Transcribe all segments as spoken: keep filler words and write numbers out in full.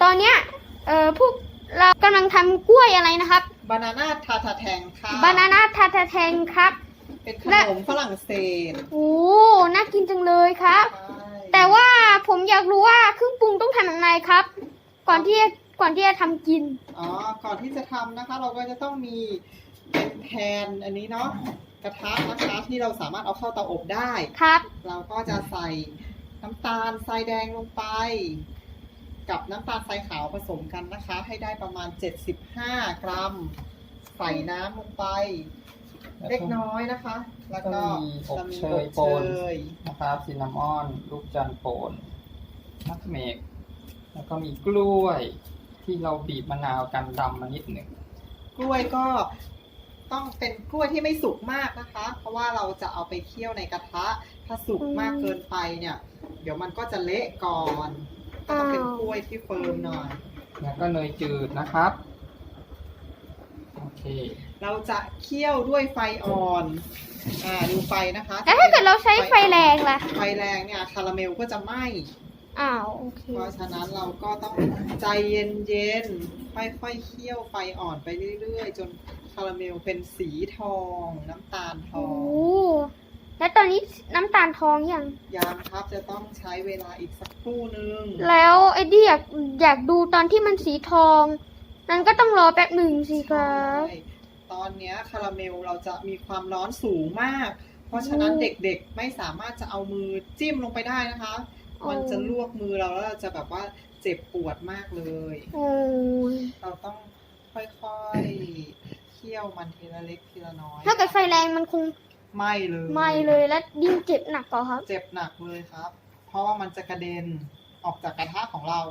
ตอนเนี้ยเอ่อพวกเรากำลังทำกล้วยอะไรนะครับบานาน่าทาทาแทงค่ะบานาน่าทาทาแทงครับเป็นขนมฝรั่งเศสโอ้น่ากินจังเลยครับแต่ว่าผมอยากรู้ว่าเครื่องปรุงต้องทำยังไงครับก่อนที่ก่อนที่จะทำกินอ๋อก่อนที่จะทำนะคะเราก็จะต้องมีเป็นแพนอันนี้เนาะกระทะนะคะที่เราสามารถเอาเข้าเตาอบได้ครับเราก็จะใส่น้ำตาลทรายแดงลงไปกับน้ำตาลทรายขาวผสมกันนะคะให้ได้ประมาณเจ็ดสิบห้ากรัมใส่น้ำลงไปเล็กน้อยนะคะแล้วก็จะมีอบเชยโปนนะครับซินนามอนลูกจันทร์โปนนัทเมกแล้วก็มีกล้วยที่เราบีบมะนาวกันดำมานิดหนึ่งกล้วยก็ต้องเป็นกล้วยที่ไม่สุกมากนะคะเพราะว่าเราจะเอาไปเคี่ยวในกระทะถ้าสุกมากเกินไปเนี่ยเดี๋ยวมันก็จะเละก่อนก็ต้องเป็นกล้วยที่เฟิร์มหน่อยแล้วก็เนยจืดนะครับโอเคเราจะเคี่ยวด้วยไฟอ่อนอ่าดูไฟนะคะแล้วถ้าเกิดเราใช้ไฟแรงล่ะไฟแรงเนี่ยคาราเมลก็จะไหม้อ้าวโอเคเพราะฉะนั้นเราก็ต้องใจเย็นๆค่อยๆเคี่ยวไฟอ่อนไปเรื่อยๆจนคาราเมลเป็นสีทองน้ำตาลทองโอ้แล้วตอนนี้น้ำตาลทองยังยังครับจะต้องใช้เวลาอีกสักครู่นึงแล้วไอ้ที่อยากอยากดูตอนที่มันสีทองนั้นก็ต้องรอแป๊บหนึ่งสิครับตอนนี้คาราเมลเราจะมีความร้อนสูงมากเพราะฉะนั้นเด็กๆไม่สามารถจะเอามือจิ้มลงไปได้นะคะมันจะลวกมือเราแล้วเราจะแบบว่าเจ็บปวดมากเลยเราต้องค่อยๆเคี่ยวมันทีละเล็กทีละน้อยถ้าเกิดไฟแรงมันคงไม่เลยไม่เลยแล้วยิ่งเจ็บหนักกว่าครับเจ็บหนักเลยครับเพราะว่ามันจะกระเด็นออกจากกระทะของเรา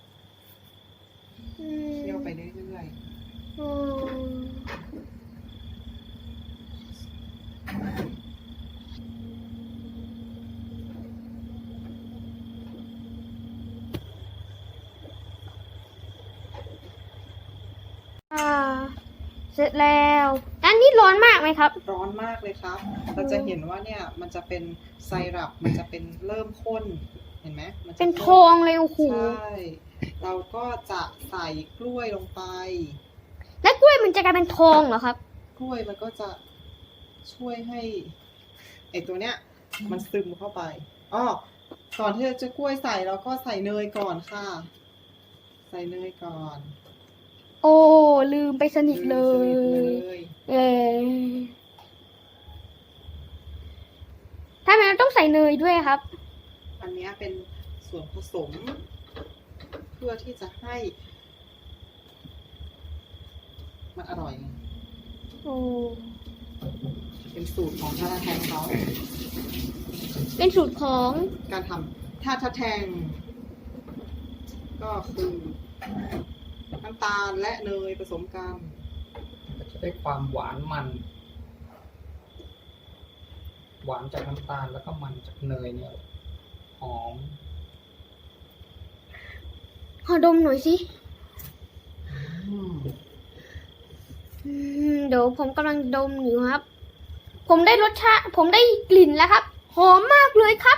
เคี่ยวไปเรื่อยเสร็จแล้วอันนี้ร้อนมากไหมครับร้อนมากเลยครับเราจะเห็นว่าเนี่ยมันจะเป็นไซรัปมันจะเป็นเริ่มข้นเห็นไหมมันเป็นทองเลยโอ้โหใช่เราก็จะใส่กล้วยลงไปแล้วกล้วยมันจะกลายเป็นทองเหรอครับกล้วยมันก็จะช่วยให้ไอตัวเนี้ยมันซึมเข้าไปอ้อก่อนที่จะกล้วยใส่เราก็ใส่เนยก่อนค่ะใส่เนยก่อนโอ้ลืมไปสนิทเลยเออถ้ามันต้องใส่เนยด้วยครับอันนี้เป็นส่วนผสมเพื่อที่จะให้มันอร่อยโอ้เป็นสูตรของทาทาแทงเขาเป็นสูตรของการทำทาทาแทงก็คือน้ำตาลและเนยผสมกันก็จะได้ความหวานมันหวานจากน้ำตาลแล้วก็มันจากเนยเนี่ยหอมขอดมหน่อยสิเดี๋ยวผมกำลังดมอยู่ครับผมได้รสชาติผมได้กลิ่นแล้วครับหอมมากเลยครับ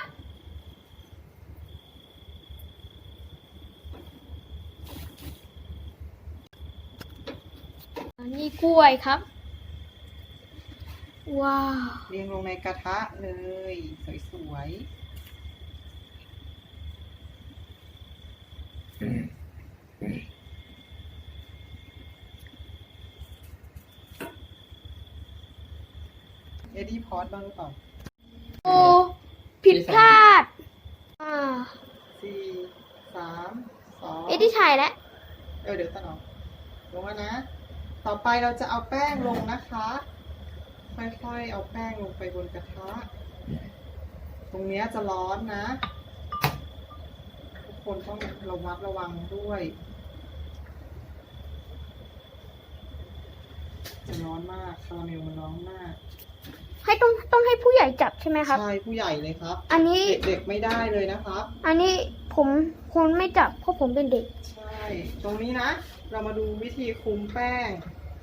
อันนี้กล้วยครับว้าวเรียงลงในกระทะเลยสวยๆเอ็ดดี้พอตบ้างหรือเปล่าโอ้ผิดพลาดอ่าสี่สามสองเอ็ดดี้ถ่ายแล้วเออเดี๋ยวตัดออกลงแล้วนะต่อไปเราจะเอาแป้งลงนะคะค่อยๆเอาแป้งลงไปบนกระทะตรงนี้จะร้อนนะทุกคนต้องระมัดระวังด้วยจะร้อนมากคาราเมลมันร้อนมากให้ต้องต้องให้ผู้ใหญ่จับใช่ไหมครับใช่ผู้ใหญ่เลยครับอันนี้เด็กๆไม่ได้เลยนะครับอันนี้ผมคนไม่จับเพราะผมเป็นเด็กใช่ตรงนี้นะเรามาดูวิธีคลุมแป้ง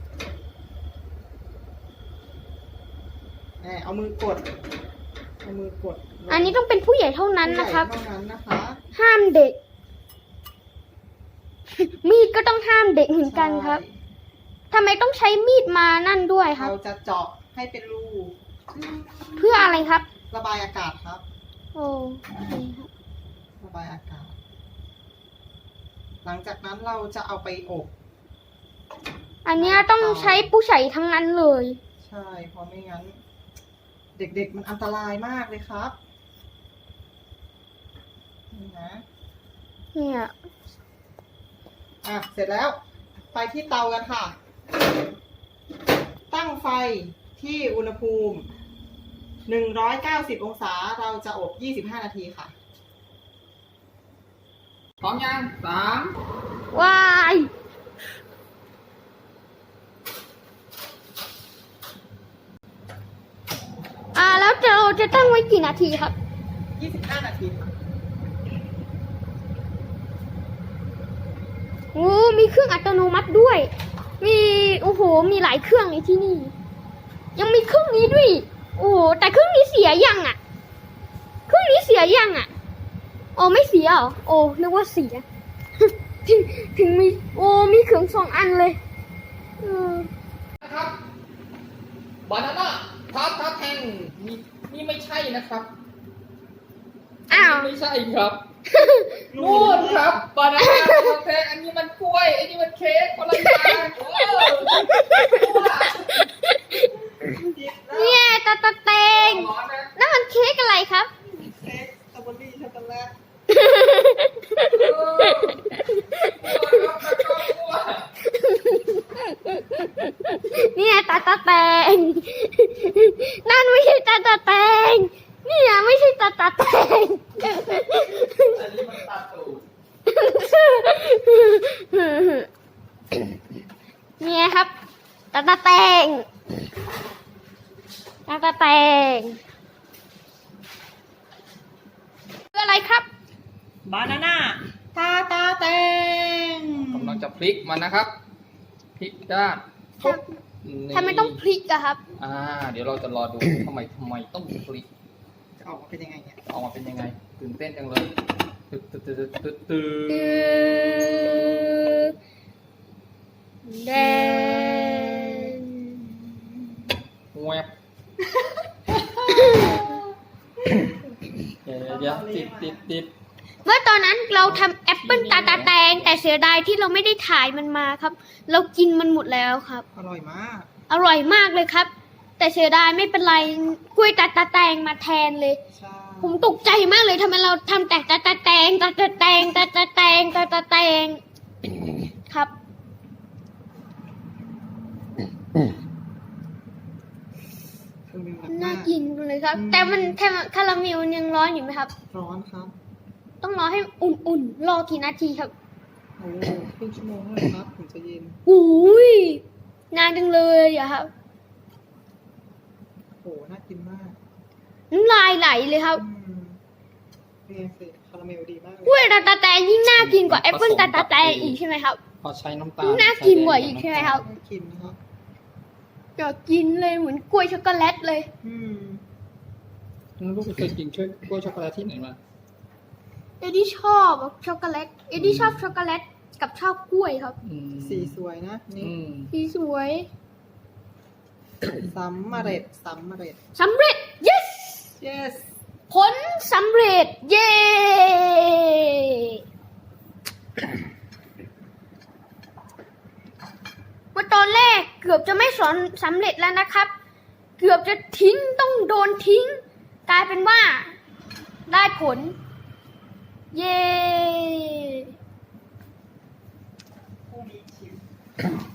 เอามือกดเอามือกดอันนี้ต้องเป็นผู้ใหญ่เท่านั้นนะครับเท่านั้นนะคะห้ามเด็กมีดก็ต้องห้ามเด็กเหมือนกันครับใช่ทำไมต้องใช้มีดมานั่นด้วยครับเราจะเจาะให้เป็นรูเพื่ออะไรครับระบายอากาศครับโอ้โอเคครับระบายอากาศ หลังจากนั้นเราจะเอาไปอบอันเนี้ยต้องใช้ผู้ใช้ทั้งนั้นเลยใช่ เพราะไม่งั้น เด็กๆมันอันตรายมากเลยครับ นี่นะเนี่ยอ่ะ เสร็จแล้ว ไปที่เตากันค่ะ ตั้งไฟที่อุณหภูมิ หนึ่งร้อยเก้าสิบ องศา เราจะอบ ยี่สิบห้า นาทีค่ะพร้อมยังสามวาย อ่า แล้วจะเราจะตั้งไว้กี่นาทีครับยี่สิบห้า นาทีค่ะโอ้ มีเครื่องอัตโนมัติด้วย มี โอ้โห มีหลายเครื่องในที่นี่ ยังมีเครื่องนี้ด้วย โอ้โห แต่เครื่องนี้เสียยังอ่ะ เครื่องนี้เสียยังอ่ะ โอ้ไม่เสียเหรอ โอ้นึกว่าเสีย ถึงถึงมี โอ้ มีเครื่องสองอันเลยเออนะครับบานาน่าทาทาแทงนี่นี่ไม่ใช่นะครับอ้าวนนี้ไม่ใช่ครับนู่นครับบานาน่าทาทาแทงอันนี้มันกล้วยอันนี้มันเค้กคนละอย่างเออเนี่ยตาตาเตงร้อนนะนั่นมันเค้กอะไรครับเค้กสตรอเบอรี่ช็อกโกแลตเออกลัวครับกลัวเนี่ยตาตาแตง นั่นไม่ใช่ตาตาแตง เนี่ยไม่ใช่ตาตาแตงอันนี้มันตาตูดเนี่ยครับ ตาตาแตง ตาตาแตงคืออะไรครับบานาน่าตาตาแตงกำลังจะพลิกมันนะครับ พลิกด้านครับ ทำไมต้องพลิกอะครับอ่า เดี๋ยวเราจะรอดู ทำไมทำไมต้องพลิกจะออกมาเป็นยังไงเนี่ยจะออกมาเป็นยังไง ตื่นเต้นจังเลยตึ๊ดตึ๊ดตึ๊ดตึ๊ดตึ๊ดแดงแวบเดี๋ยวเดี๋ยวติดติดติดเมื่อตอนนั้นเราทำแอปเปิลตาตาแตง แต่เสียดายที่เราไม่ได้ถ่ายมันมาครับ เรากินมันหมดแล้วครับอร่อยมากอร่อยมากเลยครับ แต่เสียดายไม่เป็นไรกล้วยตาตาแตงมาแทนเลยใช่ผมตกใจมากเลยทำไมเราทำแต่ตาตาแตงตาตาแตงตาตาแตงตาตาแตงครับคือมีแบบน่าว่ากินเลยครับอืมแต่มันแค่คาราเมลยังร้อนอยู่ไหมครับร้อนครับต้องรอให้อุ่นๆ รอกี่นาทีครับโอ้ครึ่งชั่วโมงเลยครับถึงจะเย็นอุ้ยนานจังเลยอะครับโห น่ากินมากน้ำลายไหลเลยครับอืมเนี่ยสิคาราเมลดีมากเลกล้วยยตาตาแตงยิ่งน่ากินกว่าแอปเปิลตาตาแตงอีกใช่ไหมครับพอใช้น้ำตาลน่ากินกว่าอีกใช่ไหมครับน่ากินนะครับอยากกินเลยเหมือนกล้วยช็อกโกแลตเลยอืมลูกเคยกินช่วยกล้วยช็อกโกแลตที่ไหนมาเอ็ดดี้ชอบช็อกโกแลต เอ็ดดี้ชอบช็อกโกแลตกับชอบกล้วยครับอืมสีสวยนะ นี่อืมสีสวยสำเร็จสำเร็จสำเร็จ yes yes ผลสำเร็จ เย้ เมื่อตอนแรกเกือบจะไม่สอนสำเร็จแล้วนะครับ เกือบจะทิ้งต้องโดนทิ้ง กลายเป็นว่า ได้ผล เย้ผู้มีชิม